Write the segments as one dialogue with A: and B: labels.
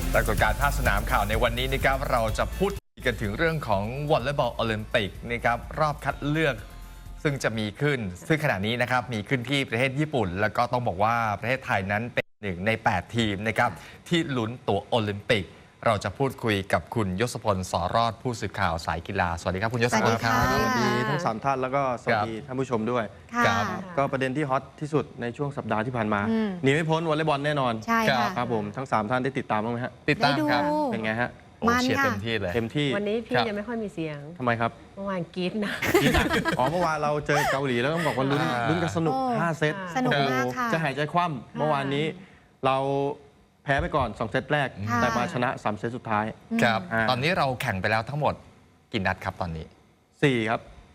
A: ปรากฏการณ์ภาคสนามข่าวในวันนี้นะครับเราจะพูดกันถึงเรื่องของวอลเลย์บอลโอลิมปิกนะครับรอบคัดเลือกซึ่งจะมีขึ้นซึ่งขณะนี้นะครับมีขึ้นที่ประเทศญี่ปุ่นแล้วก็ต้องบอกว่าประเทศไทยนั้นเป็นหนึ่งใน8ทีมนะครับที่ลุ้นตั๋วโอลิมปิกเราจะพูดคุยกับคุณยศพล สอรอดผู้สื่อข่าวสายกีฬาสวัสดีครับคุณยศพลครับ
B: สวัสดีทั้ง3ท่านแล้วก็สวัสดีท่านผู้ชมด้วย
A: ครับ
B: ก็ประเด็นที่ฮอตที่สุดในช่วงสัปดาห์ที่ผ่านมาหนีไม่พ้นวอลเลย์บอลแน่นอน
C: ใช่ค่ะ
B: ครับผมทั้ง3ท่านได้ติดตามบ้างไหมฮะ
A: ติดตามครับ
C: ได้ดู
B: เป็นไงฮะ
A: โอ้
C: มัน
A: เชียร์
C: ค่ะ
A: เต็มที่เลย
B: เต็มที่
D: วันนี้พี่
A: ครับ
D: ยังไม่ค่อยมีเสียง
B: ทำไมครับ
D: เมื่อวานกรี๊ดนะ
B: อ๋อเมื่อวานเราเจอเกาหลีแล้วต้องบอกว่าลุ้นกันสนุก
C: โอ้
B: 5 เซต
C: สนุก
B: โอ้โห
C: มากค่ะ
B: จะหายใจคว่ำเมื่อวานนี้เราแพ้ไปก่อน2 เซตแรก
C: ค่ะ
B: แต่มาชนะ3 เซตสุดท้าย
A: ครับ
B: อ่า
A: ตอนนี้เราแข่งไปแล้วทั้งหมดกี่นัดครับตอนนี้
B: 4 ครับ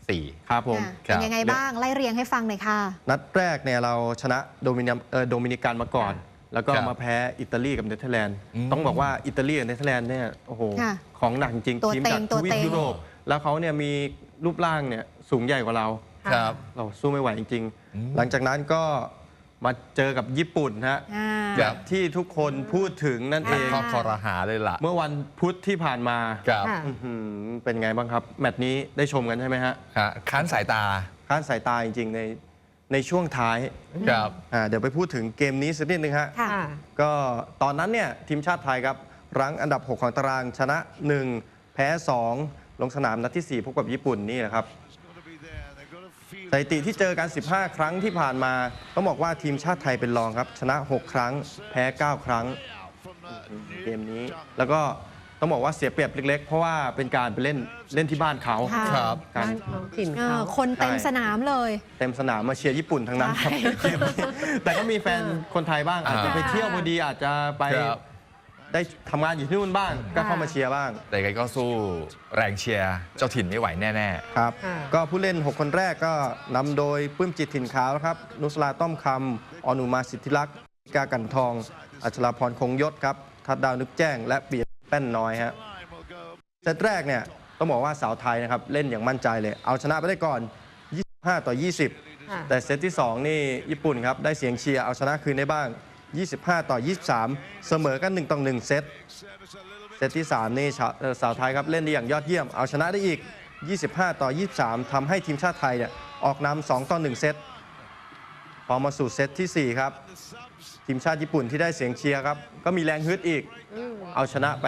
A: 4
B: ครับผม
C: ค่ะเป็นยังไงบ้าง ไล่เรียงให้ฟังหน่อยค่ะ
B: นัดแรกเนี่ยเราชนะโดมินิกันมาก่อน แล้วก็
A: ครับ
B: มาแพ้อิตาลีกับเนเธอร์แลนด์
A: อืม
B: ต้องบอกว่าอิตาลีกับเนเธอร์แลนด์เนี่ยโอ้โห
C: ค่ะ
B: ของหนักจริง
C: ตัว
B: ทีม
C: เต็ง
B: จาก
C: ตัว
B: ทวี
C: เต็
B: ป
C: ง
B: ยุโรปแล้วเขาเนี่ยมีรูปร่างเนี่ยสูงใหญ่กว่าเรา
A: ครับ
B: เราสู้ไม่ไหวจริง
A: อืม
B: ๆ หลังจากนั้นก็มาเจอกับญี่ปุ่นฮะ
C: อ่า
A: ครับ
B: ที่ทุกคนพูดถึงนั่นเอง
A: ข้อคอรหาเลยล่ะ
B: เมื่อวันพุธที่ผ่านมา
A: ครับ
D: ค่ะ
B: อื้อหือเป็นไงบ้างครับ แมตช์นี้ได้ชมกันใช่ไหมฮะ
A: ฮะค้านสายตา
B: ค้านสายตาจริงๆในช่วงท้าย
A: ครับ
B: เดี๋ยวไปพูดถึงเกมนี้สักนิดนึงฮะ
C: ค่ะ
B: ก็ตอนนั้นเนี่ยทีมชาติไทยครับรั้งอันดับ 6 ของตารางชนะ 1 แพ้ 2 ลงสนามนัดที่ 4 พบกับญี่ปุ่นนี่แหละครับสถิติที่เจอกัน 15 ครั้งที่ผ่านมา ต้องบอกว่าทีมชาติไทยเป็นรองครับ ชนะ 6 ครั้ง แพ้ 9 ครั้งเกมนี้ แล้วก็ต้องบอกว่าเสียเปรียบเล็กๆ เพราะว่าเป็นการไปเล่นที่บ้านเขา
C: ค่ะ
A: ครับ
B: การ
D: บ้านเขาถิ่น
C: เอ
D: เขา
C: อคนเต็ม
B: ใช่
C: สนามเลย
B: เต็มสนามมาเชียร์ญี่ปุ่นทั้งนั้นครับ
C: ใช่
B: เกมนี้แต่ก็มีแฟนคนไทยบ้างอาจจะไปเที่ยวพอดีอาจจะไป
A: ครับ
B: ได้ทำงานอยู่ที่นู่นบ้าง ก็เข้ามาเชียร์บ้าง
A: แต่ยังไงก็สู้แรงเชียร์เจ้าถิ่นไม่ไหวแน่
B: ครับ
D: ค่ะ
B: ก็ผู้เล่น 6 คนแรกก็นำโดยปลื้มจิตถิ่นขาวครับ นุสราต้อมคำอนุมาสิทธิลักษณ์กากันทอง อัชราพรคงยศครับ ทัดดาวนึกแจ้ง และเปียแป้นน้อยฮะเซตแรกเนี่ยต้องบอกว่าสาวไทยนะครับ เล่นอย่างมั่นใจเลย เอาชนะไปได้ก่อน 25-20
D: ค่ะ
B: แต่เซตที่ 2 นี่ญี่ปุ่นครับ ได้เสียงเชียร์เอาชนะคืนได้บ้าง 25-23 เสมอกัน 1-1 เซต เซตที่ 3 นี่สาวไทยครับเล่นได้อย่างยอดเยี่ยม เอาชนะได้อีก 25-23 ทำให้ทีมชาติไทยเนี่ยออกนำ2-1 เซต พอมาสู่เซตที่ 4 ครับ ทีมชาติญี่ปุ่นที่ได้เสียงเชียร์ครับ ก็มีแรงฮึดอีก เอาชนะไป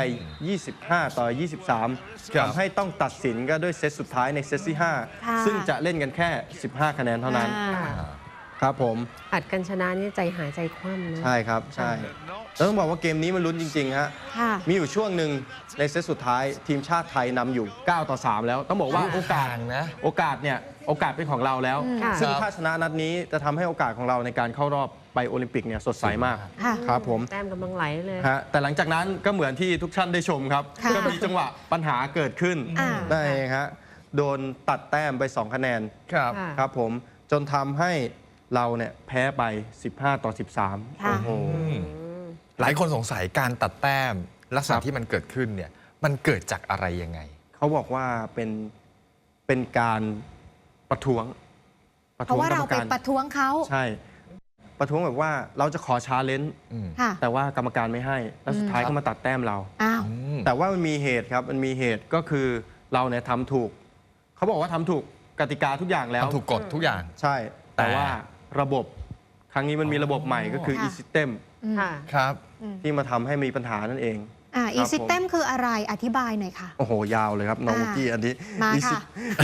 B: 25-23
A: ครับ
B: ทำให้ต้องตัดสินก็ด้วยเซตสุดท้ายในเซตที่
C: ค่ะ
B: 5 ซึ่งจะเล่นกันแค่ 15 คะแนนเท่านั้น
C: อ่า
B: ครับผม
D: อัดกันชนะนี่ใจหายใจคว่ำนะ
B: ใช่ครับ ใช่แล้วต้องบอกว่าเกมนี้มันลุ้นจริงๆฮะ
C: ค่ะ
B: มีอยู่ช่วงหนึ่งในเซตสุดท้ายทีมชาติไทยนำอยู่ 9-3 แล้ว ต้องบอกว่า
A: ๆ
B: โอกาส
A: นะ
B: โอกาสเนี่ยโอกาสเป็นของเราแล้ว
D: ค่ะ
B: ซึ่ง
A: ครับ
B: ถ้าชนะนัดนี้จะทำให้โอกาสของเราในการเข้ารอบไปโอลิมปิกเนี่ยสดใสมาก
C: ค่ะ
B: ครับผม
D: แต้มกำลังไหลเลย
B: ฮะแต่หลังจากนั้นก็เหมือนที่ทุกท่านได้ชมครับ
C: ค่ะ
B: ก็มีจังหวะปัญหาเกิดขึ้น
C: อ่า
B: ได้เองฮะโดนตัดแต้มไป 2 คะแนน
A: ครับ
D: ค่ะ
B: ครับผมจนทำให้เราเนี่ยแพ้ไป 15-13
C: ค่ะ
B: โอ้โห
A: หลายคนสงสัยการตัดแต้มลักษณะ
B: ครับ
A: ที่มันเกิดขึ้นเนี่ยมันเกิดจากอะไรยังไง
B: เขาบอกว่าเป็นการประท้วง
C: เพราะว่าเราไปประท้วงเขา
B: ใช่ ประท้วงแบบว่าเราจะขอชาเลนจ์
A: อืม
C: ค่ะ
B: แต่ว่ากรรมการไม่ให้ แล้วสุดท้ายก็มาตัดแต้มเรา
C: อ้าว
B: แต่ว่ามันมีเหตุครับมันมีเหตุก็คือเราเนี่ยทำถูก เขาบอกว่าทำถูกกติกาทุกอย่างแล้ว
A: ทำถูกกฎทุกอย่าง
B: ใช่ แต่
A: แต่
B: ว่าระบบครั้งนี้มันมีระบบใหม่ก็คือ
C: ค่ะ
B: e-system
D: ค่ะ
A: ครับ
B: ที่มาทำให้มีปัญหานั่นเอง
C: อีซิเต็มคืออะไรอธิบายหน่อยค่ะ
B: โอ้โห ยาวเลยครับน้อง
C: อ่า
B: มุกกี้อันนี้
C: มาค่ะ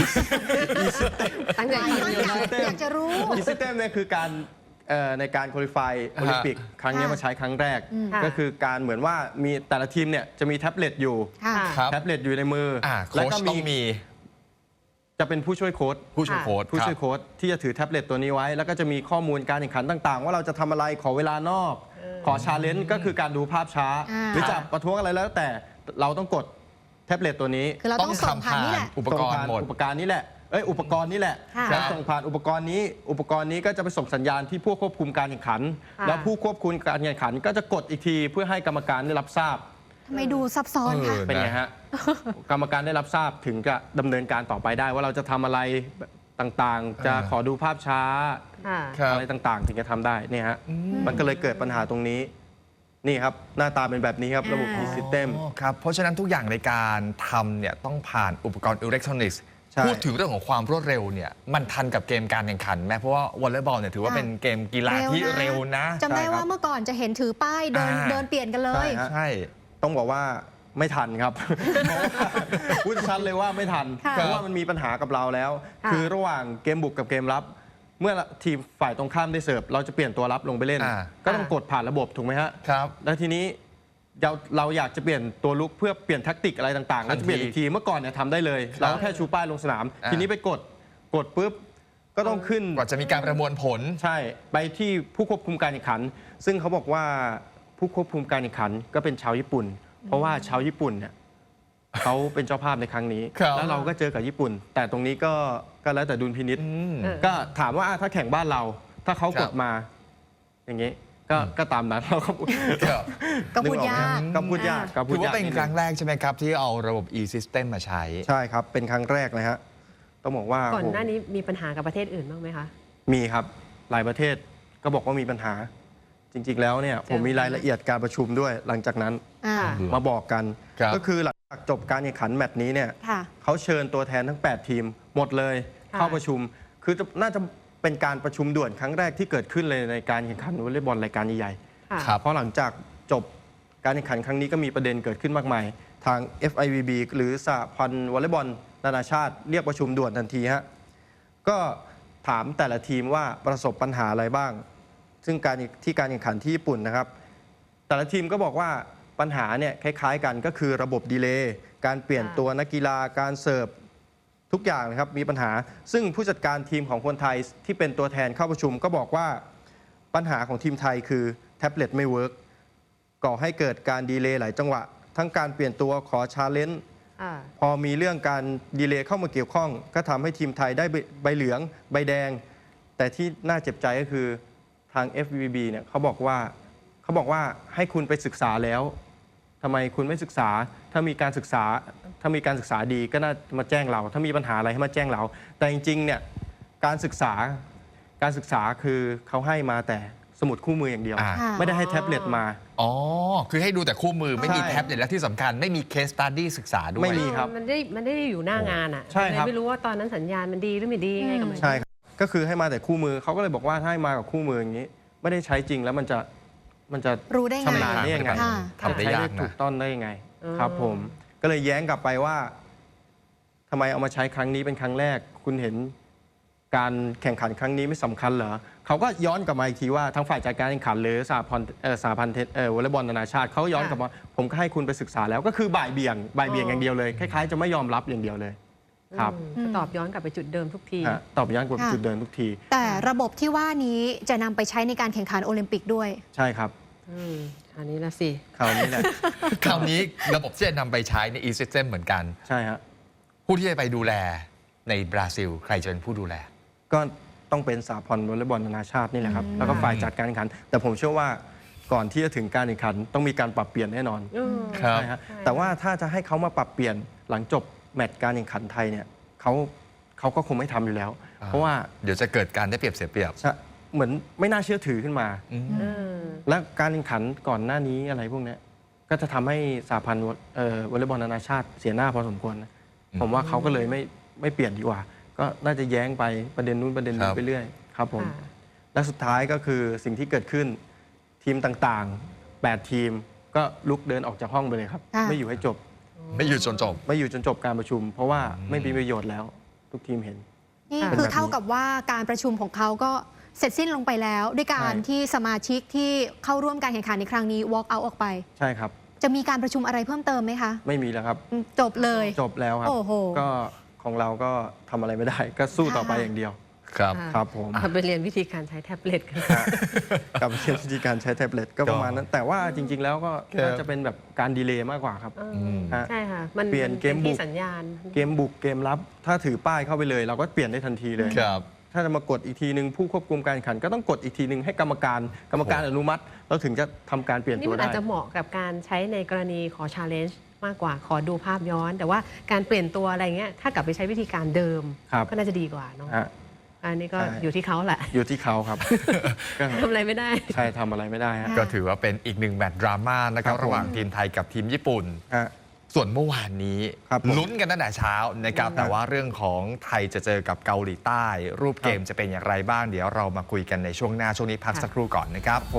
D: ตั้งใจ
C: หลาย
D: ฟัง
C: ท่าน
D: อยู่
C: อยาก
D: เลย
C: อยากจะรู้
B: e-system เนี่ยคือการในการคุริฟายโอลิมปิกครั้งนี้มาใช้ครั้งแรก
D: ค่ะ
B: ก็คือการเหมือนว่ามีแต่ละทีมเนี่ยจะมีแท็บเล็ตอยู่
C: ค่ะ
A: ครับ
B: แท็บเล็ตอยู่ในมืออ
A: โค้
B: แล้ว
A: ช
B: ก็
A: ต้องมี
B: จะเป็นผู้ช่วยโค้ช
A: ผู้ช่วยโค้ช
B: ผู้ช่วย
A: ครับ
B: โค้ชที่จะถือแท็บเล็ตตัวนี้ไว้ แล้วก็จะมีข้อมูลการแข่งขันต่าง ๆ ว่าเราจะทำอะไรขอเวลานอก ขอชาเลนจ์ก็คือการดูภาพช้า
C: อ่า
B: หรือจะประท้วงอะไรแล้วแต่เราต้องกดแท็บเล็ตตัวนี้
C: คือเราต้องส่งผ่านนี่แหละ
A: อุปกรณ์หมด
B: อุปกรณ์นี้แหละอุปกรณ์นี้แหละ
C: ค่ะ
B: แล้วส่งผ่านอุปกรณ์นี้ อุปกรณ์นี้ก็จะไปส่งสัญญาณที่ผู้ควบคุมการแข่งขัน
D: ค่ะ
B: แล้วผู้ควบคุมการแข่งขัน ก็จะกดอีกทีเพื่อให้กรรมการได้รับทราบ
C: ทำไมดูซับซ้อนคะ
B: เป็นไงฮะ กรรมการได้รับทราบถึงจะดำเนินการต่อไปได้ ว่าเราจะทำอะไรต่างๆ จะขอดูภาพช้า
D: ค่ะ
A: ครับ
B: อะไรต่างๆ ถึงจะทำได้เนี่ยฮะมันก็เลยเกิดปัญหาตรงนี้นี่ครับ หน้าตาเป็นแบบนี้ครับ ระบบ
C: อ่า
B: E-System
A: อ๋อครับ เพราะฉะนั้นทุกอย่างในการทำเนี่ยต้องผ่านอุปกรณ์อิเล็กทรอนิกส์
B: ใช่
A: พูดถึงเรื่องของความรวดเร็วเนี่ยมันทันกับเกมการแข่งขันไหมเพราะว่าวอลเลย์บอลเนี่ยถือว่าเป็นเกมกีฬาที่เร็วนะ
C: จำได้
B: ใช่ครับ
C: ว่าเมื่อก่อนจะเห็นถือป้ายเดิน
A: อ่า
C: เดินเปลี่ยนกันเลย
B: ใช่ฮะ
A: ใช่
B: ต้องบอกว่าไม่ทันครับ เพราะว่าพูดชัดเลยว่าไม่ทัน
C: ค่ะ
B: เพราะว่ามันมีปัญหากับเราแล้ว
D: ค่ะ
B: คือระหว่างเกมบุกกับเกมรับ เมื่อทีมฝ่ายตรงข้ามได้เสิร์ฟเราจะเปลี่ยนตัวรับลงไปเล่น ก็ต้องกดผ่านระบบถูกไหมฮะ
A: ครับ
B: แล้วทีนี้เราอยากจะเปลี่ยนตัวลุกเพื่อเปลี่ยนแท็กติกอะไรต่างๆ
A: ทั
B: เรา
A: นที
B: จะเปลี่ยนอีกทีเมื่อก่อนเนี่ยทำได้เลย เราก็แค่ชูป้ายลงสนาม
A: อ่า
B: ทีนี้ไปกดปุ๊บก็ต้องขึ้น
A: กว่าจะมีการประมวลผล
B: ใช่ไปที่ผู้ควบคุมการแข่งขัน ซึ่งเขาบอกว่าผู้ควบคุมการแข่งขันก็เป็นชาวญี่ปุ่น เพราะว่าชาวญี่ปุ่นเนี่ยเขาเป็นเจ้าภาพในครั้งนี้
A: ครับ
B: แล้วเราก็เจอกับญี่ปุ่น แต่ตรงนี้ก็แล้วแต่ดุลพินิษ
A: อืม
D: เออ
B: ก็ถามว่าถ้าแข่งบ้านเรา ถ้าเขา
A: ครั
B: ก
A: บ
B: ดมา อย่างนี้ก็ตามนั้นเราก็
A: ครับ
C: ก็พูดยาก
B: ก็พูดยากก็พู
A: ถื
B: ด
A: อว่าย
B: าก
A: เป็น
B: ดง
A: ครั้งแรกใช่ไหมครับ ที่เอาระบบ e-system มาใช้
B: ใช่ครับ เป็นครั้งแรกเลยฮะต้องบอกว่า
D: ก่อนหน้า
B: โโ
D: นี้มีปัญหากับประเทศอื่นบ้างไหมคะ
B: มีครับหลายประเทศก็บอกว่ามีปัญหา จริง ๆ แล้วเนี่ยผมมีรายละเอียดการประชุมด้วยหลังจากนั้น
C: อ่า
D: ค่ะ
B: มาบอกกัน
A: ครับ
B: ก็คือหลังจากจบการแข่งขันแมตช์นี้เนี่ย
C: ค่ะ
B: เขาเชิญตัวแทนทั้ง 8 ทีมหมดเลย
D: ค่ะ
B: เข้าประชุม คือน่าจะเป็นการประชุมด่วนครั้งแรกที่เกิดขึ้นเลยในการแข่งขันวอลเลย์บอลรายการใหญ่
D: ค่ะ
A: ครับ
B: ๆเพราะหลังจากจบการแข่งขันครั้งนี้ก็มีประเด็นเกิดขึ้นมากมาย ทาง FIVB หรือสหพันธ์วอลเลย์บอลนานาชาติเรียกประชุมด่วนทันทีฮะก็ถามแต่ละทีมว่าประสบปัญหาอะไรบ้าง ซึ่งการแข่งขันที่ญี่ปุ่นนะครับ แต่ละทีมก็บอกว่าปัญหาเนี่ยคล้ายๆกันก็คือระบบดีเลย์การเปลี่ยนตัวนักกีฬาการเสิร์ฟทุกอย่างนะครับมีปัญหา ซึ่งผู้จัดการทีมของคนไทยที่เป็นตัวแทนเข้าประชุมก็บอกว่าปัญหาของทีมไทยคือแท็บเล็ตไม่เวิร์กก่อให้เกิดการดีเลย์หลายจังหวะ ทั้งการเปลี่ยนตัวขอชาเลนจ์
D: อ่า
B: พอมีเรื่องการดีเลย์เข้ามาเกี่ยวข้อง ก็ทำให้ทีมไทยได้ใบเหลืองใบแดง แต่ที่น่าเจ็บใจก็คือทาง FVB เนี่ยเขาบอกว่าให้คุณไปศึกษาแล้วทำไมคุณไม่ศึกษาถ้ามีการศึกษาดีก็น่ามาแจ้งเรา ถ้ามีปัญหาอะไรให้มาแจ้งเรา แต่จริงๆเนี่ยการศึกษาคือเขาให้มาแต่สมุดคู่มืออย่างเดียว
A: อ่า
C: ค่ะ
B: ไม่ได้ให้แท็บเล็ตมา
A: อ๋อ คือให้ดูแต่คู่มือไม่มี
B: ใช่
A: แท็บเล็ตและที่สำคัญไม่มีเคสตัดดี้ศึกษาด้วย
B: ไม่มี ครับ
D: มันได้อยู่หน้างานอ่ะ
B: ใช่ครับ
D: เลยไม่รู้ว่าตอนนั้นสัญญาณมันดีหรือไม่ดียังไงกับมัน
B: ใช่ครับก็คือให้มาแต่คู่มือเขาก็เลยบอกว่าถ้าให้มากับคู่มืออย่างนี้ ไม่ได้ใช้จริงแล้วมันจะ
C: รู้ได้ไง
B: ชำนาญได้ยังไง
C: ค่ะ
A: ทำได้
B: ใช้
A: ยา
B: ได้
A: ก
B: ถู
A: นะ
B: กต้องได้ยังไง
D: อ๋อ
B: ครับผมก็เลยแย้งกลับไปว่าทำไมเอามาใช้ครั้งนี้เป็นครั้งแรก คุณเห็นการแข่งขันครั้งนี้ไม่สำคัญเหรอเขาก็ย้อนกลับมาอีกทีว่าทางฝ่ายจัดการแข่งขันหรือสหพันธ์วอลเลย์บอลนานาชาติเขาย้อนกลับมาผมก็ให้คุณไปศึกษาแล้วก็คือบ่ายเบี่ยงอย่างเดียวเลยคล้ายๆจะไม่ยอมรับอย่างเดียวเลยครับ
D: ก็ตอบย้อนกลับไปจุดเดิมทุกที
B: ฮะตอบย้อนกลับ
C: ค่ะ
B: จุดเดินทุกที
C: แต่ระบบที่ว่านี้จะนำไปใช้ในการแข่งขันโอลิมปิกด้วย
B: ใช่ครับ
D: อันนี้ละสิ
B: คราวนี้แหละ
A: คราวนี้ระบบที่จะนำไปใช้ใน e-system เหมือนกัน
B: ใช่ฮะ
A: ผู้ที่จะไปดูแลในบราซิล ใครจะเป็นผู้ดูแล
B: ก็ต้องเป็นสหพันธ์วอลเลย์บอลนานาชาตินี่แหละครับแล้วก็ฝ่ายจัดการแข่งขัน แต่ผมเชื่อว่าก่อนที่จะถึงการแข่งขันต้องมีการปรับเปลี่ยนแน่นอน
A: ครับ
B: ใช่ฮะแต่ว่าถ้าจะให้เขามาปรับเปลี่ยนหลังจบแมตช์การแข่งขันไทยเนี่ยเขาก็คงไม่ทำอยู่แล้ว เพราะว่า
A: เดี๋ยวจะเกิดการได้เปรียบเสียเปรียบ
B: เหมือนไม่น่าเชื่อถือขึ้นมา
A: อืม
B: และการแข่งขันก่อนหน้านี้อะไรพวกเนี้ยก็จะทำให้สหพันธ์วอลเลย์บอลนานาชาติเสียหน้าพอสมควรนะผมว่าเขาก็เลยไม่เปลี่ยนดีกว่า ก็น่าจะแย้งไปประเด็นนู้นประเด็นนี้ไปเรื่อยครับผม
D: ค่ะ
B: และสุดท้ายก็คือสิ่งที่เกิดขึ้นทีมต่างๆ 8 ทีมก็ลุกเดินออกจากห้องไปเลยครับ
C: ค่ะ
B: ไม่อยู่ให้จบ
A: ไม่อยู่จนจบ
B: ไม่อยู่จนจบการประชุม เพราะว่าไม่มีประโยชน์แล้ว ทุกทีมเห็น
C: นี่
D: ค่ะ
C: คือเท่ากับว่าการประชุมของเขาก็เสร็จสิ้นลงไปแล้ว ด้วยการ
B: ใช่
C: ที่สมาชิกที่เข้าร่วมการแข่งขันในครั้งนี้ walk out ออกไป
B: ใช่ครับ
C: จะมีการประชุมอะไรเพิ่มเติมไหมคะ
B: ไม่มีแล้วครับ
C: จบเลย
B: จบแล้วครับ
C: โอ้โห
B: ก็ของเราก็ทำอะไรไม่ได้ ก็สู้ต่อไปอย่างเดียว
A: ครับ
B: ครับผม
D: เอาไปเรียนวิธีการใช้แท็บเล็ตกัน
B: กับเรื่องวิธีการใช้แท็บเล็ตก็ประมาณนั้น แต่ว่าจริง ๆ แล้วก็
A: ครับ
B: น่าจะเป็นแบบการดีเลย์มากกว่าครับ ฮะ
D: ใช่ค่ะ มัน
B: เปลี่ยนเกมบุก
D: ที่สัญญาณ
B: เกมบุกเกมรับ ถ้าถือป้ายเข้าไปเลย เราก็เปลี่ยนได้ทันทีเลย
A: ครับ
B: ถ้าจะมากดอีกทีหนึ่งผู้ควบคุมการแข่งขันก็ต้องกดอีกทีหนึ่งให้กรรมการอนุมัติเราถึงจะทำการเปลี่ยน
D: นี่
B: ตัว
D: มัน
B: ได้
D: อาจจะเหมาะกับการใช้ในกรณีขอชาเลนจ์มากกว่าขอดูภาพย้อน แต่ว่าการเปลี่ยนตัวอะไรเงี้ยถ้ากลับไปใช้วิธีการเดิม
B: ครับ
D: ก็น่าจะดีกว่าเนาะ
B: ฮะ
D: อันนี้ก็
B: ใช่
D: อยู่ที่เขาแหละ
B: อยู่ที่เขาครับ ก็
D: ทำอะไรไม่ได้
B: ใช่ทำอะไรไม่ได้ฮะ
C: ค่ะ
A: ก็ถือว่าเป็นอีกหนึ่งแมตช์ดราม่านะครับ
B: ครับผม
A: ระหว่างทีมไทยกับทีมญี่ปุ่น
B: ฮะ
A: ส่วนเมื่อวานนี้
B: ครับผม
A: ลุ้นกันตั้งแต่เช้านะครับแต่ว่าเรื่องของไทยจะเจอกับเกาหลีใต้ รูปเกมจะเป็นอย่างไรบ้างเดี๋ยวเรามาคุยกันในช่วงหน้าช่วงนี้พักสักครู่ก่อนนะครับ
B: ผม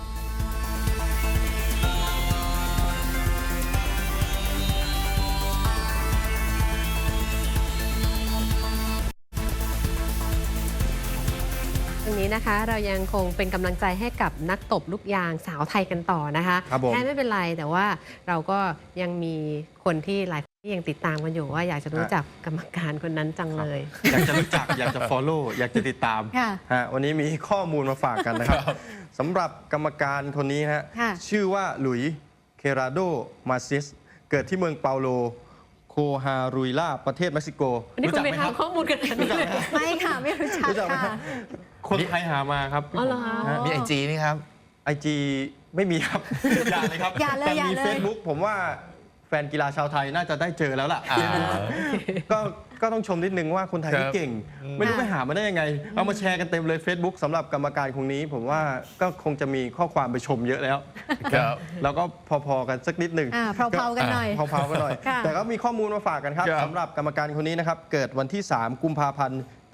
D: ตรงนี้นะคะเรายังคงเป็นกำลังใจให้กับนักตบลูกยางสาวไทยกันต่อนะคะ
B: ครับผม
D: แค่ไม่เป็นไรแต่ว่าเราก็ยังมีคนที่หลายคนที่ยังติดตามกันอยู่ว่าอยากจะรู้จักกรรมการคนนั้นจังเลย
B: อยากจะรู้จัก อยากจะ follow อยากจะติดตาม
C: ค่ะ
B: ฮะวันนี้มีข้อมูลมาฝากกันนะครับสำหรับกรรมการคนนี้ฮะ
C: ค่ะ
B: ชื่อว่าหลุยส์เคราโดมาซิสเกิดที่เมืองเปาโลโคฮารุยลาประเทศเม็กซิโก
D: วันนี้คุณไป
B: ไหมครับ
D: ทำข้อมูลกันอันนี้เลย
C: ไม่ค่ะ ไม่รู้จัก
B: รู้จักไหมครั
C: ค่ะ
B: บ คนไทยหามาครับ
D: อ๋อเหรอคะ
B: ฮะ
A: มีไอจีนี่ครับ
B: IG ไม่มีครับ อย่าเลยครับ
C: อย่าเลย
B: แต่
C: อย่า
B: มี
C: เลย
B: Facebook ผมว่าแฟนกีฬาชาวไทยน่าจะได้เจอแล้วล่ะ ก็ต้องชมนิดนึงว่าคนไทย
A: ครับ
B: ที่เก่ง ไม่รู้ไปหามาได้ยังไง เอามาแชร์กันเต็มเลย Facebook สำหรับกรรมการคนนี้ ผมว่าก็คงจะมีข้อความไปชมเยอะแล้ว
A: ครับ
B: แล้วก็พอๆกันสักนิดหนึ่ง
C: เพลาๆกันหน่อย
B: เผาๆกันหน่อย
C: ค่ะ
B: แต่ก็มีข้อมูลมาฝากกันครับ
A: ครับ
B: สำหรับกรรมการคนนี้นะครับ เกิดวันที่ 3 กุมภาพันธ์ ปี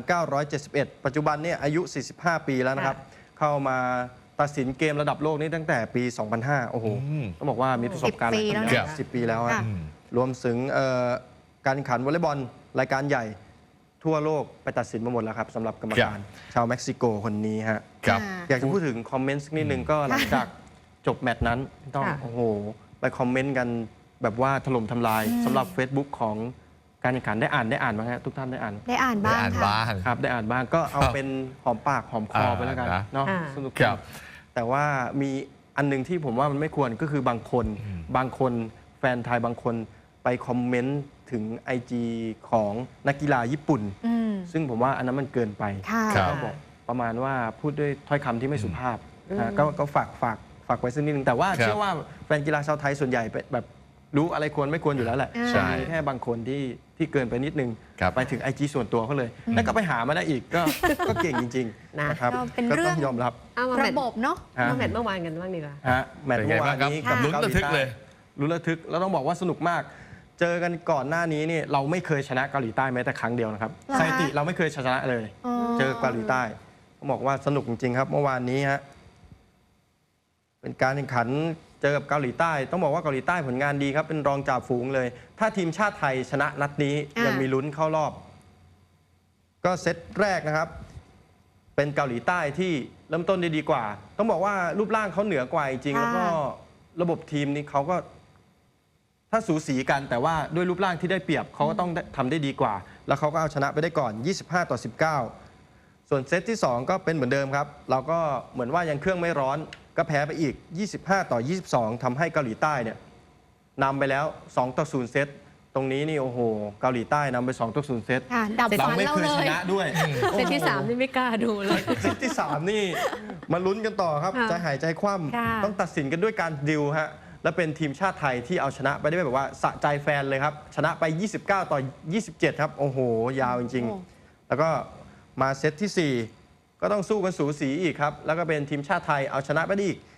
B: 1971 ปัจจุบันเนี่ยอายุ 45 ปีแล้วนะครับ เข้ามาตัดสินเกมระดับโลกนี้ตั้งแต่ปี 2005 โอ้โห ต้องบอกว่ามีประสบการณ์
C: 10 ปีแล้วนะ
B: 10 ปีแล้ว
C: ค่ะ
B: ฮะรวมถึงการแข่งขันวอลเลย์บอลรายการใหญ่ทั่วโลกไปตัดสินมาหมดแล้วครับสำหรับกรรมการชาวเม็กซิโกคนนี้ฮะ
A: ครับ
B: อยากจะพูดถึงคอมเมนต์สักนิดนึงก็หลังจากจบแมตช์นั้นต้อง
D: ค่ะ
B: โอ้โห ไปคอมเมนต์กันแบบว่าถล่มทำลายสำหรับ Facebook ของการแข่งขันได้อ่านไหมฮะทุกท่านได้อ่าน
C: ได้อ่าน
A: ได้
C: บ้าง
A: อ่าน
C: ค่ะ
A: บ้าง
B: ครับได้อ่านบ้างก็เอาเป็นหอมปากหอมคอไปแล้วกัน
A: นะ
B: เนาะ
D: ค่ะ
B: สนุก
A: ครับ
B: แต่ว่ามีอันหนึงที่ผมว่ามันไม่ควรก็คือบางคนแฟนไทยบางคนไปคอมเมนต์ถึง IG ของนักกีฬาญี่ปุ่น
C: อืม
B: ซึ่งผมว่าอันนั้นมันเกินไป
C: ค่ะ
A: ครับ
B: ก็บอกประมาณว่าพูดด้วยถ้อยคำที่ไม่สุภาพนะก็ฝากไว้สักนิดนึงแต่ว่า
A: ครับ
B: เชื่อว่าแฟนกีฬาชาวไทยส่วนใหญ่แบบรู้อะไรควรไม่ควรอยู่แล้วแหละ
C: ใช่
B: มีแค่บางคนที่เกินไปนิดนึง
A: ครับ
B: ไปถึง IG ส่วนตัวเขาเลย แล้วก็ไปหามาได้อีกก็เก่งจริงๆ
D: นะ
B: นะครับ
C: ก็เป็น
B: ก็
C: เรื่
B: ต้
C: อ
B: อง งยอมรับ
D: เอามาแม
C: ระ
D: ตช์
C: บบเนาะ
B: ฮะ
D: มาแมตช์เมื่อวานกันบ้างดีกว่า
B: ฮะแมตช์
A: เป็นไง
B: เมื่อวา
A: บ้าง
B: น
A: ครับ
B: นี้กับ
A: ลุ้น
B: เกาห
A: ระ
B: ลี
A: ทึก
B: ใต้
A: เลย
B: ลุ้นระทึกแล้วต้องบอกว่าสนุกมาก เจอกันก่อนหน้านี้นี่เราไม่เคยชนะเกาหลีใต้แม้แต่ครั้งเดียวนะครับ
C: เหรอคะ
B: สถิติเราไม่เคยชนะเลย
C: อ๋อ
B: เจอเกาหลีใต้ต้องบอกว่าสนุกจริงๆครับ เมื่อวานนี้ฮะเป็นการแข่งขันเจอกับเกาหลีใต้ ต้องบอกว่าเกาหลีใต้ผลงานดีครับ เป็นรองจ่าฝูงเลย ถ้าทีมชาติไทยชนะนัดนี้
C: อ่ายั
B: ยังมีลุ้นเข้ารอบ ก็เซตแรกนะครับ เป็นเกาหลีใต้ที่เริ่มต้นได้ดีกว่า ต้องบอกว่ารูปร่างเขาเหนือกว่าจริงๆแล้วก็ระบบทีมนี้เขาก็ ถ้าสูสีกันแต่ว่าด้วยรูปร่างที่ได้เปรียบเขาก็ต้องทำได้ดีกว่า แล้วเขาก็เอาชนะไปได้ก่อน 25-19 ส่วนเซตที่ 2 ก็เป็นเหมือนเดิมครับ เราก็เหมือนว่ายังเครื่องไม่ร้อน ก็แพ้ไปอีก 25-22 ทำให้เกาหลีใต้เนี่ยนำไปแล้ว 2-0 เซต ตรงนี้นี่โอ้โห เกาหลีใต้นำไป 2-0 เซต
C: ค่ะ ดับ
B: เรา
C: ฝัน
B: ไม่
C: เรา
B: เคย
C: เล
B: ช
C: ย
B: นะด้วย
D: เซตที่ 3 นี่ไม่กล้าดูเลย
B: เซตที่ 3 นี่มาลุ้นกันต่อครับ
D: ค่ะ
B: ใจหายใจคว่
C: ค่ะ
B: ำต้องตัดสินกันด้วยการดิวฮะและเป็นทีมชาติไทยที่เอาชนะไปได้แบบว่าสะใจแฟนเลยครับ ชนะไป 29-27 ครับ โอ้โห ยาวจริง
C: โอ้
B: ๆ แล้วก็มาเซตที่ 4 ก็ต้องสู้กันสูสีอีกครับ แล้วก็เป็นทีมชาติไทยเอาชนะไปได้อีก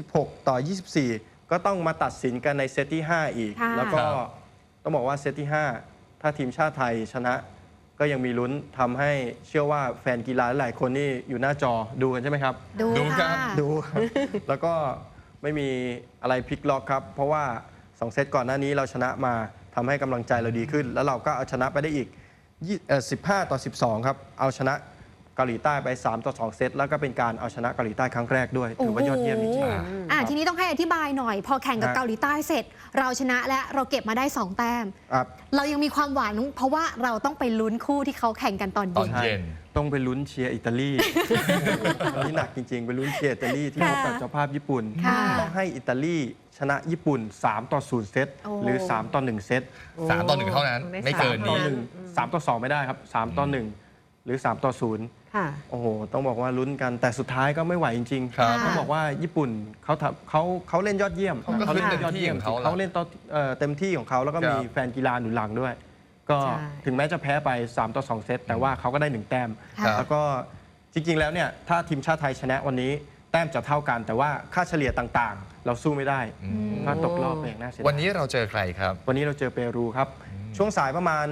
B: 26-24 ก็ต้องมาตัดสินกันในเซตที่ 5 อีก
C: ค่ะ
B: แล้วก็
A: ครับ
B: ต้องบอกว่าเซตที่ 5 ถ้าทีมชาติไทยชนะ ก็ยังมีลุ้นทำให้เชื่อว่าแฟนกีฬาหลายคนนี่อยู่หน้าจอดูกันใช่ไหมครับ
C: ดู
A: ดูครั
C: ค่ะ
A: บ
B: ดูครับ แล้วก็ไม่มีอะไรพลิกล็อกครับ เพราะว่า 2 เซตก่อนหน้านี้เราชนะมาทำให้กำลังใจเราดีขึ้น แล้วเราก็เอาชนะไปได้อีก15-12 ครับ เอาชนะเกาหลีใต้ไป3-2 เซต แล้วก็เป็นการเอาชนะเกาหลีใต้ครั้งแรกด้วย ถือว่ายอดเยี่ยมจริง
C: โอ้โหทีนี้ต้องให้อธิบายหน่อย พอแข่งกับ
B: ฮะ
C: เกาหลีใต้เสร็จ เราชนะและเราเก็บมาได้ 2 แต้ม
B: ๆครับ
C: เรายังมีความหวังเพราะว่าเราต้องไปลุ้นคู่ที่เขาแข่งกันตอน
A: ตอน
C: เย็น
A: เย็น
B: ต้องไปลุ้นเชียร์อิตาลี อันนี้หนักจริงๆ ไปลุ้นเชียร์อิตาลีที่พบกับ
C: ค่ะ
B: เจ้าภาพญี่ปุ่น
C: ค่ะ
B: ต้องให้อิตาลีชนะญี่ปุ่น 3-0 เซต
C: โอ้
B: หรือ 3-1 เซต
A: 3-1 เท่านั้น ไม่เกิน
B: ต่อ
A: นี้
B: หนึ่ง3-2 ไม่ได้ครับ 3-1 หรือ 3-0
D: ค่ะ
B: โอ้โห ต้องบอกว่าลุ้นกัน แต่สุดท้ายก็ไม่ไหวจริงๆ
A: ครับ
B: ต้องบอกว่าญี่ปุ่นเขาเล่นยอดเยี่ยม
A: เขาก็ขึ้นเต็มที่ของเขา
B: เขาเล่นเต็มที่ของเขาแล้วก็
A: ครับ
B: มีแฟนกีฬาหนุนหลังด้วยก็
D: ใช่
B: ถึงแม้จะแพ้ไป3-2 เซตแต่ว่าเขาก็ได้ 1 แต้ม
C: ค่ะ
B: แล้วก็จริงๆแล้วเนี่ยถ้าทีมชาติไทยชนะวันนี้แต้มจะเท่ากัน แต่ว่าค่าเฉลี่ยต่างๆ เราสู้ไม่ได้ก็ตกรอบไปอย่างน่าเสียดาย
A: วันนี้เราเจอใครครับ
B: วันนี้เราเจอเปรูครับ ช่วงสายประมาณ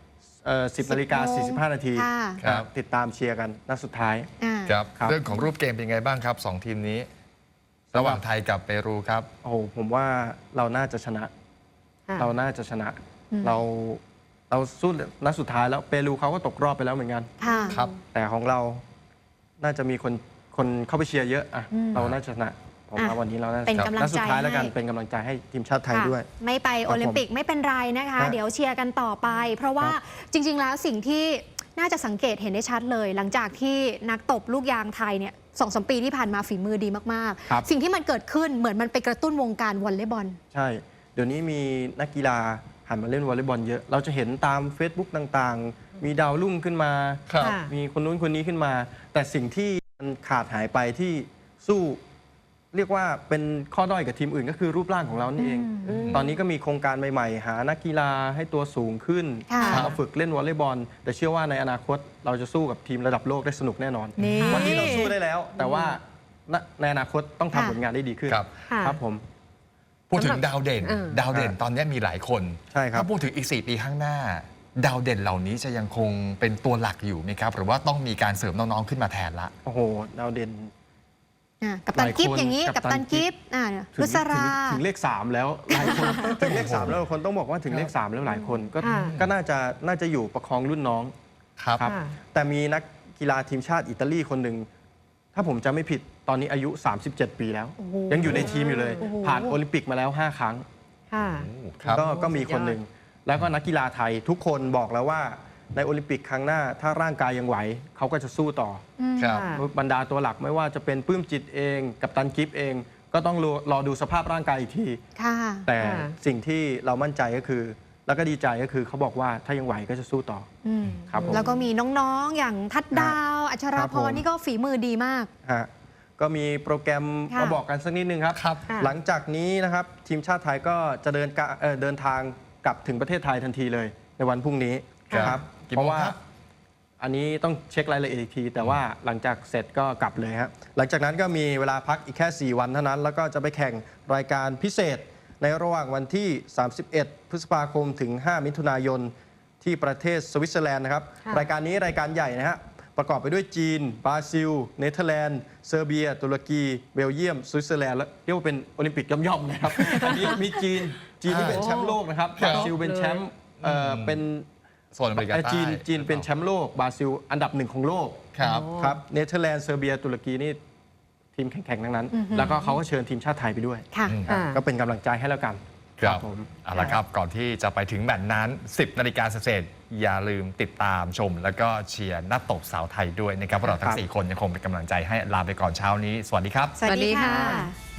B: 10 นาฬิกา 45 นาที
C: ค่ะ
A: ครับ
B: ติดตามเชียร์กันนัดสุดท้าย
C: อ่า
A: ครับ
B: ครับ
A: เรื่องของรูปเกมเป็นไงบ้างครับสองทีมนี้ ระหว่างไทยกับเปรูครับ
B: โอ้โหผมว่าเราน่าจะชนะ
D: ค่ะ
B: เราน่าจะชนะ
C: อืม
B: เราสู้นัดสุดท้ายแล้วเปรูเขาก็ตกรอบไปแล้วเหมือนกัน
C: ค่ะ
A: ครับ
B: แต่ของเราน่าจะมีคนเข้าไปเชียร์เยอะอ่ะ
C: อืม
B: เราน่าจะชนะผมว่า
C: อ่ะ
B: วันนี้เราน่าจะ
C: เป็น
B: ชนะ
C: กำลัง
B: นัดสุดท้ายแล้วกัน
C: ใจให้
B: เป็นกำลังใจให้ทีมชาติไทย
C: ค่ะ
B: ด้วย
C: ไม่ไปโอลิมปิกไม่เป็นไรนะคะ
B: ครับ
C: เดี๋ยวเชียร์กันต่อไป เพราะว่า
B: ครับ
C: จริง ๆ แล้วสิ่งที่น่าจะสังเกตเห็นได้ชัดเลย หลังจากที่นักตบลูกยางไทยเนี่ย2-3 ปีที่ผ่านมาฝีมือดีมาก
B: ครับ
C: ๆ สิ่งที่มันเกิดขึ้นเหมือนมันไปกระตุ้นวงการวอลเลย์บอล
B: ใช่ เดี๋ยวนี้มีนักกีฬาหันมาเล่นวอลเลย์บอลเยอะ เราจะเห็นตาม Facebook ต่างๆ มีดาวรุ่งขึ้นมา
A: ครับ
D: ค่ะ
B: มีคนนู้นคนนี้ขึ้นมา แต่สิ่งที่มันขาดหายไปที่สู้ เรียกว่าเป็นข้อด้อยกับทีมอื่นก็คือรูปร่างของเรานี่เอง
C: อืม
B: ตอนนี้ก็มีโครงการใหม่ๆ หานักกีฬาให้ตัวสูงขึ้น
C: ค่ะ
B: มาฝึกเล่นวอลเลย์บอล แต่เชื่อว่าในอนาคตเราจะสู้กับทีมระดับโลกได้สนุกแน่นอน
C: นี่
B: วันนี้เราสู้ได้แล้ว แต่ว่าในอนาคตต้อง
C: ค่ะ
B: ทำผลงานได้ดีขึ้น
A: ครับ
D: ค่ะ
B: ครับผม
A: พูดถึงดาวเด่น
D: เออ
A: ดาวเด่นตอนนี้มีหลายคน
B: ใช่ครับ
A: ถ้าพูดถึงอีก 4 ปีข้างหน้า ดาวเด่นเหล่านี้จะยังคงเป็นตัวหลักอยู่ไหมครับ หรือว่าต้องมีการเสริมน้องๆขึ้นมาแทนละ
B: โอ้โหดาวเด่น
C: กับตันกิฟต์อย่างนี้
B: กั
C: กั
B: บบ ตั
C: ตั
B: น
C: น
B: กิ
C: กิ
B: ฟ
C: ฟ
B: ต์
C: ต์
B: ถึง
C: รุษรา
B: ถึงเลข 3 แล้วหลายคน ถึงเลข 3 แล้วคนต้องบอกว่าถึงเลข 3 แล้วหลายคนก็
D: ค่ะ
B: ก็น่าจะอยู่ประคองรุ่นน้อง
A: ครับ
B: ครับ
D: ค่ะ
B: แต่มีนักกีฬาทีมชาติอิตาลีคนหนึ่งถ้าผมจำไม่ผิดตอนนี้อายุ 37 ปีแล้ว
C: โอ้โห
B: ยังอยู่ในทีมอยู่เลย
C: โอ้โห
B: ผ่านโอลิมปิกมาแล้ว 5 ครั้ง
D: ค่ะ
A: ครับ
B: ก็มีคนหนึ่ง แล้วก็นักกีฬาไทยทุกคนบอกแล้วว่าในโอลิมปิกครั้งหน้า ถ้าร่างกายยังไหวเขาก็จะสู้ต่อ
A: ครับ
D: ค่ะ
B: บรรดาตัวหลักไม่ว่าจะเป็นปลื้มจิตเองกับตันกิฟต์เอง ก็ต้องรอดูสภาพร่างกายอีกที
C: ค่ะ
B: แต่
D: ค่ะ
B: สิ่งที่เรามั่นใจก็คือ แล้วก็ดีใจก็คือเขาบอกว่าถ้ายังไหวก็จะสู้ต่อ
C: อืม
B: ครับผม
C: แล้วก็มีน้องๆ อย่างทัดดาว อัช
B: ค
C: รา
B: รับ
C: พ
B: ผม
C: รนี่ก็ฝีมือดีมาก
B: ฮะก็มีโปรแกรม
C: ค่ะ
B: มาบอกกันสักนิดนึงครับ
A: ครับ
D: ค่ะ
B: หลังจากนี้นะครับทีมชาติไทยก็จะเดินทางกลับถึงประเทศไทยทันทีเลย ในวันพรุ่งนี้
A: ครับ
B: นะครับ
A: กี่
B: เพ
A: โมง
B: ราะว่า
A: ครับ
B: อันนี้ต้องเช็ครายละเอียดอีกที แต่ว่าหลังจากเสร็จก็กลับเลยฮะหลังจากนั้นก็มีเวลาพักอีกแค่ 4 วันเท่านั้น แล้วก็จะไปแข่งรายการพิเศษ ในระหว่างวันที่ 31 พฤษภาคมถึง 5 มิถุนายน ที่ประเทศสวิตเซอร์แลนด์นะครับ
D: ค่ะ
B: รายการนี้รายการใหญ่นะฮะประกอบไปด้วยจีน บราซิล เนเธอร์แลนด์ เซอร์เบีย ตุรกี เบลเยียม สวิตเซอร์แลนด์ และเรียกว่าเป็นโอลิมปิกย่อมๆนะครับ อันนี้มีจีนที่เป็นแชมป์โลกนะครับ
A: ครับ
B: บราซิลเป็นแชมป์เป็น
A: โซนอเมริกาใต้
B: จีนเป็นแชมป์โลก บราซิลอันดับ 1 ของโลก
A: ครับ
D: โอ้
B: ครับ เนเธอร์แลนด์ เซอร์เบีย ตุรกีนี่ทีมแข่งๆทั้งนั้น แล้วก็เขาก็เชิญทีมชาติไทยไปด้วย
C: ค่ะ
D: ค่ะ
B: ก็เป็นกำลังใจให้แล้วกัน
A: ครับ
B: ผม
A: เอาละครับก่อนที่จะไปถึงแมตช์นั้น 10 นาฬิกาเศษๆอย่าลืมติดตามชม แล้วก็เชียร์นักตบสาวไทยด้วยนะครับพวกเราทั้ง 4 คนยังคงเป็นกำลังใจให้ลาไปก่อนเช้านี้ สวัสดีครับ
C: สวัสดี
D: สวัสดี
C: ค่ะ
D: ค่ะ